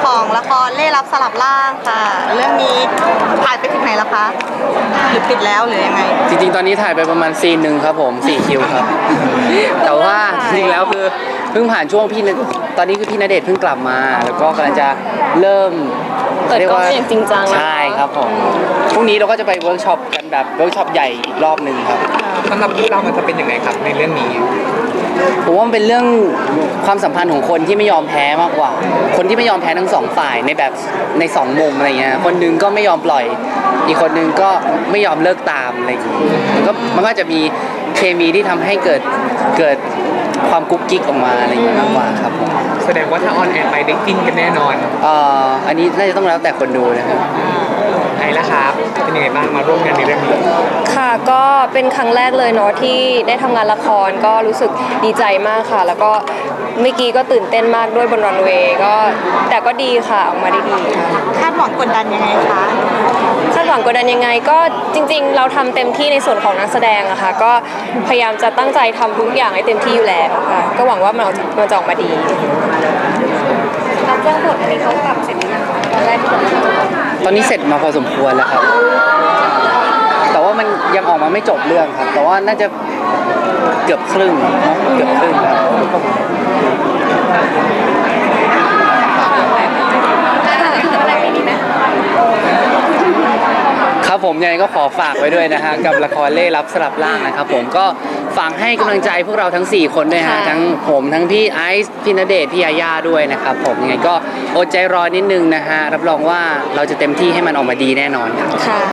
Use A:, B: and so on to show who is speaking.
A: ของละครเล่ห์ลับสลับร่างค่ะ เรื่องนี้ถ่ายไปถึงไหนแล้วคะหรือปิดแล้วหรือยังไง
B: จริงๆตอนนี้ถ่ายไปประมาณซีนหนึ่งครับผม4คิวครับ แต่ว่าจริงๆแล้วคือเพิ่งผ่านช่วงตอนนี้คือพี่ณเดชน์เพิ่งกลับมา แล้วก็กำลังจะเริ่ม
C: เปิดกล้องอย่างจริงจัง
B: ใช่ครับผมพรุ่งนี้เราก็จะไปเวิร์กช็อปกันแบบเวิร์กช็อปใหญ่อีกรอบหนึ่งครับ
D: สำหรับคู่เรามันจะเป็นยังไงครับในเรื่องนี้
B: ผมว่ามันเป็นเรื่องความสัมพันธ์ของคนที่ไม่ยอมแพ้มากกว่า คนที่ไม่ยอมแพ้ทั้งสองฝ่ายในแบบในสองมุมอะไรเงี้ยคนหนึงก็ไม่ยอมปล่อย อีกคนหนึงก็ไม่ยอมเลิกตามอะไรอย่างเงี้ยมันก็จะมีเคมีที่ทำให้เกิดความกุ๊กกิ๊กออกมาอะไรอย่างเงี้ยมากกว่าครับผม
D: แสดงว่าถ้าออนแอร์ไปได้กินกันแน่นอน
B: อันนี้น่าจะต้องแล้วแต่คนดูนะครับ
D: ไอ้ละครับเป็นยังไงบ้างมาร่วมงานในเรื่องนี้
C: ค่ะก็เป็นครั้งแรกเลยเนาะที่ได้ทำงานละครก็รู้สึกดีใจมากค่ะ แล้วก็เมื่อกี้ก็ตื่นเต้นมากด้วยบนรันเวย์ก็แต่ก็ดีค่ะออกมาได้ดีค่ะ
A: คาดหวังกดดันยังไงคะ
C: คาดหวังกดดันยังไงก็จริงๆ เราทำเต็มที่ในส่วนของนักแสดงอะค่ะก็พยายามจะตั้งใจทำทุกอย่างให้เต็มที่อยู่แล้วค่ะก็หวังว่ามันจะออกมาดีการแจ้งบทอันนี้เขาปรับเสร็จหรือยังคะตอนแรกที่บอก
B: ตอนนี้เสร็จมาพอสมควรแล้วครับ แต่ว่ามันยังออกมาไม่จบเรื่องครับ แต่ว่าน่าจะเกือบครึ่งเนาะเกือบครึ่งครับครับผมยังไงก็ขอฝากไว้ด้วยนะฮะกับละครเล่ห์ลับสลับร่างนะครับผมก็ฝากให้กำลังใจพวกเราทั้ง4คนด้วยฮะทั้งผมทั้งพี่ไอซ์พี่ณเดชน์พี่ยาย่าด้วยนะครับผมยังไงก็อดใจรอนิดนึงนะฮะรับรองว่าเราจะเต็มที่ให้มันออกมาดีแน่นอนครับ